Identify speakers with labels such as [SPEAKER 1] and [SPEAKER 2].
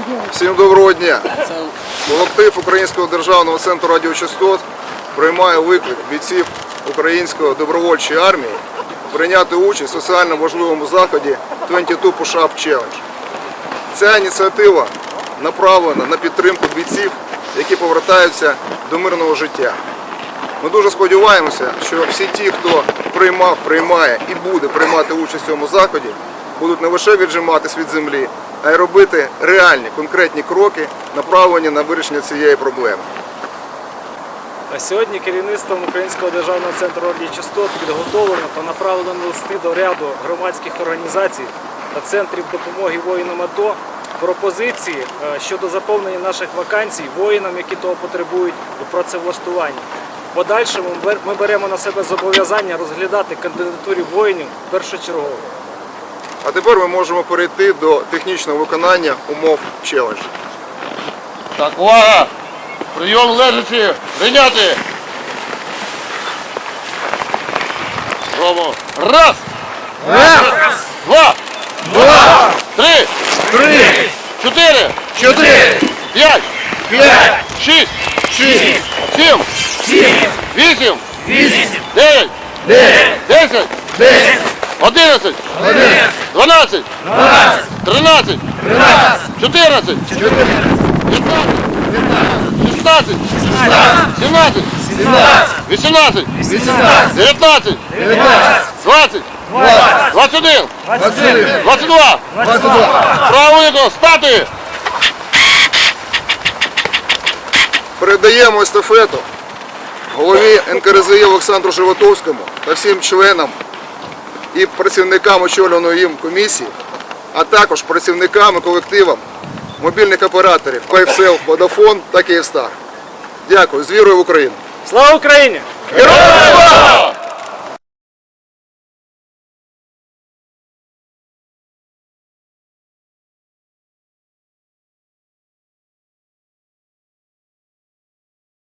[SPEAKER 1] Всім доброго дня! Колектив Українського державного центру радіочастот приймає виклик бійців Української добровольчої армії прийняти участь у соціально важливому заході 22 Push-Up Challenge. Ця ініціатива направлена на підтримку бійців, які повертаються до мирного життя. Ми дуже сподіваємося, що всі ті, хто приймав, приймає і буде приймати участь у цьому заході, будуть не лише віджиматись від землі, а й робити реальні, конкретні кроки, направлені на вирішення цієї проблеми.
[SPEAKER 2] Сьогодні керівництвом Українського державного центру радіочастот підготовлено та направлено листи до ряду громадських організацій та центрів допомоги воїнам АТО пропозиції щодо заповнення наших вакансій воїнам, які того потребують у працевлаштуванні. В подальшому ми беремо на себе зобов'язання розглядати кандидатури воїнів першочергово.
[SPEAKER 1] А тепер ми можемо перейти до технічного виконання умов челенджу.
[SPEAKER 3] Так, увага! Прийом лежачи! Прийняти! Робимо. Раз!
[SPEAKER 4] Раз!
[SPEAKER 3] Два!
[SPEAKER 4] Два!
[SPEAKER 3] Три!
[SPEAKER 4] Три!
[SPEAKER 3] Чотири!
[SPEAKER 4] Чотири!
[SPEAKER 3] П'ять!
[SPEAKER 4] П'ять!
[SPEAKER 3] Шість!
[SPEAKER 4] Шість!
[SPEAKER 3] Сім!
[SPEAKER 4] Сім!
[SPEAKER 3] Вісім!
[SPEAKER 4] Вісім!
[SPEAKER 3] Дев'ять!
[SPEAKER 4] Дев'ять!
[SPEAKER 3] 10!
[SPEAKER 4] 10!
[SPEAKER 3] 11!
[SPEAKER 4] 11!
[SPEAKER 3] 12!
[SPEAKER 4] 12!
[SPEAKER 3] 13!
[SPEAKER 4] 13!
[SPEAKER 3] 14!
[SPEAKER 4] 14!
[SPEAKER 3] 15! 16! 17!
[SPEAKER 4] 17!
[SPEAKER 3] 18!
[SPEAKER 4] 18!
[SPEAKER 3] 19!
[SPEAKER 4] 19!
[SPEAKER 3] 20!
[SPEAKER 4] 20!
[SPEAKER 3] 21!
[SPEAKER 4] 21!
[SPEAKER 3] 22!
[SPEAKER 4] 22!
[SPEAKER 3] Право виконано! Стати!
[SPEAKER 1] Передаємо естафету голові НКРЗІ Олександру Животовському та всім членам і працівникам очолюваної їм комісії, а також працівникам і колективам мобільних операторів Київсел, Водафон та Київстар. Дякую. З вірою в Україну!
[SPEAKER 2] Слава Україні!
[SPEAKER 4] Героям